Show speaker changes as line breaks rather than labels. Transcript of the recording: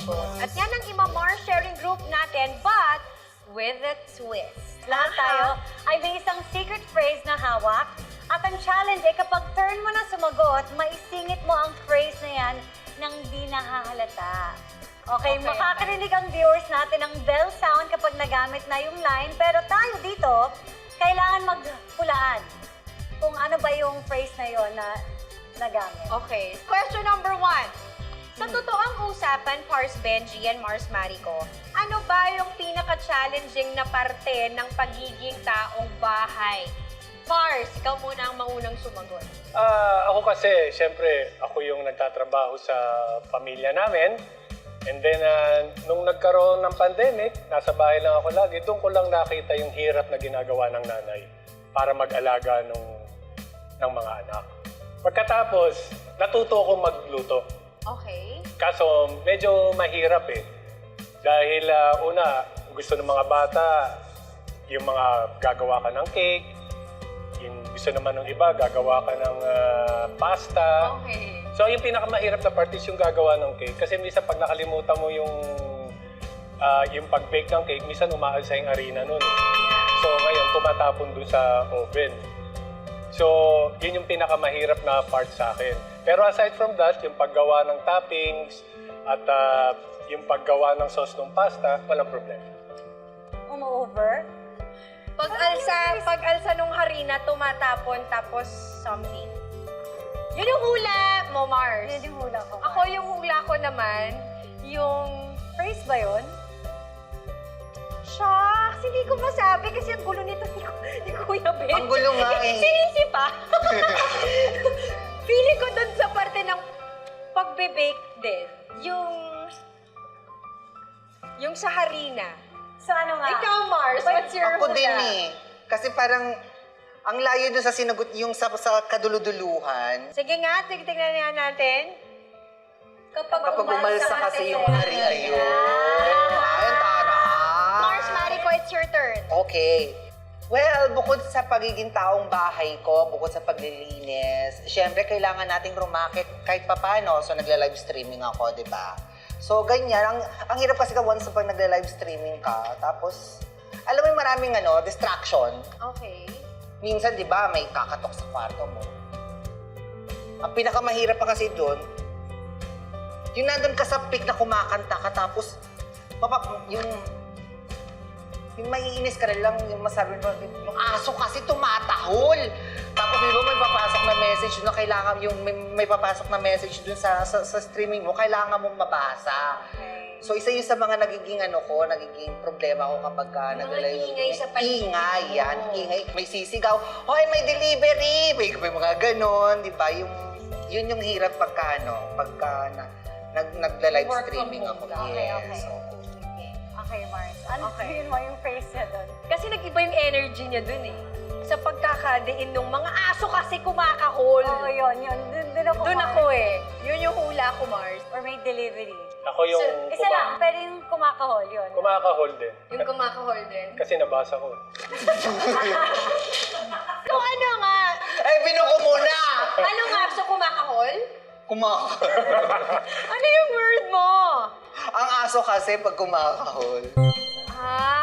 sumabot. At yan ang Imamar sharing group natin, but with a twist. Lahat tayo ay may isang secret phrase na hawak. At ang challenge ay kapag turn mo na sumagot, maisingit mo ang phrase na yan nang di nahahalata. Okay, makakarinig ang viewers natin ng bell sound kapag nagamit na yung line. Pero tayo dito, kailangan magpulaan kung ano ba yung phrase na yon na nagamit.
Okay. Question number 1. Sa totoong usapan, Pars Benji and Mars Marico, ano ba yung pinaka-challenging na parte ng pagiging taong bahay? Pars, ikaw muna ang maunang sumagot.
Ako kasi, syempre, ako yung nagtatrabaho sa pamilya namin. And then, nung nagkaroon ng pandemic, nasa bahay lang ako lagi, doon ko lang nakita yung hirap na ginagawa ng nanay para mag-alaga ng mga anak. Pagkatapos, natuto akong magluto.
Okay.
Kaso, medyo mahirap eh. Dahil una, gusto ng mga bata, yung mga gagawa ka ng cake, yung gusto naman ng iba, gagawa ka ng pasta.
Okay.
So, yung pinakamahirap na part is yung gagawa ng cake. Kasi minsan pag nakalimutan mo yung pag-bake ng cake, minsan umaalsa yung harina nun. So, ngayon, tumatapon dun sa oven. So, yun yung pinakamahirap na part sa akin. Pero aside from that, yung paggawa ng toppings at yung paggawa ng sauce ng pasta, walang problema.
Umu-over?
Pag-alsa nung harina, tumatapon, tapos something. Yun yung hula mo, Mars.
Yun yung hula ko.
Ako yung hula ko naman, yung...
Phrase ba yun?
Shucks, hindi ko masabi kasi ang gulo nito ni Kuya Ben.
Ang gulo nga eh.
Sinisipa. Feeling ko dun sa parte ng pagbe-bake din, yung sa harina.
So ano nga?
Ikaw, Mars, what's your
Ako
hula?
din eh. Kasi parang, ang layo dun sa sinagot, yung sa kaduluduluhan.
Sige nga, tignan nga natin.
Kapag umalsa kasi yung hari, ayun. Ayun, tara.
Mars, Marico, it's your turn.
Okay. Well, bukod sa pagiging taong bahay ko, bukod sa paglilinis, syempre kailangan nating rumakit kahit papano. So, nagla-live streaming ako, di ba? So, ganyan. Ang hirap kasi ka once pag nagla-live streaming ka, tapos, alam mo yung maraming distraction.
Okay.
Minsan, di ba, may kakatok sa kwarto mo. Ang pinakamahirap pa kasi doon, yung nandun ka sa peak na kumakanta ka, tapos, yung maiinis ka rin lang, yung masabi mo, yung aso kasi tumatahol. Tapos, di ba, may papasok na message na kailangan, yung may papasok na message dun sa streaming mo, kailangan mong mabasa.
Okay.
So, isa yun sa mga nagiging nagiging problema ko kapag nag-live.
ingay sa paligid.
Ingay, yan. Ingay. May sisigaw, hoy, may delivery! May mga ganon, di ba? Yun yung hirap pagka nagla-live
Work from
streaming
home
ako.
ka.
Okay,
Yes.
okay.
Oo.
Okay, Mars. Ano
Okay.
yun mo yung phrase niya doon?
Kasi nag-iba yung energy niya dun eh. Sa pagkakadiin nung mga aso kasi kumakahol.
Oo, yun. Doon ako.
Doon
Mars.
ako eh. Yun yung hula ko, Mars.
Or may delivery.
Ako yung
Isa lang, pero yung kumakahol, yun.
kumakahol din.
Yung kumakahol din.
Kasi nabasa ko.
So ano nga?
Eh, binuko muna!
Ano nga? So kumakahol?
Ano yung word mo?
Ang aso kasi pag kumakahol.
Ah,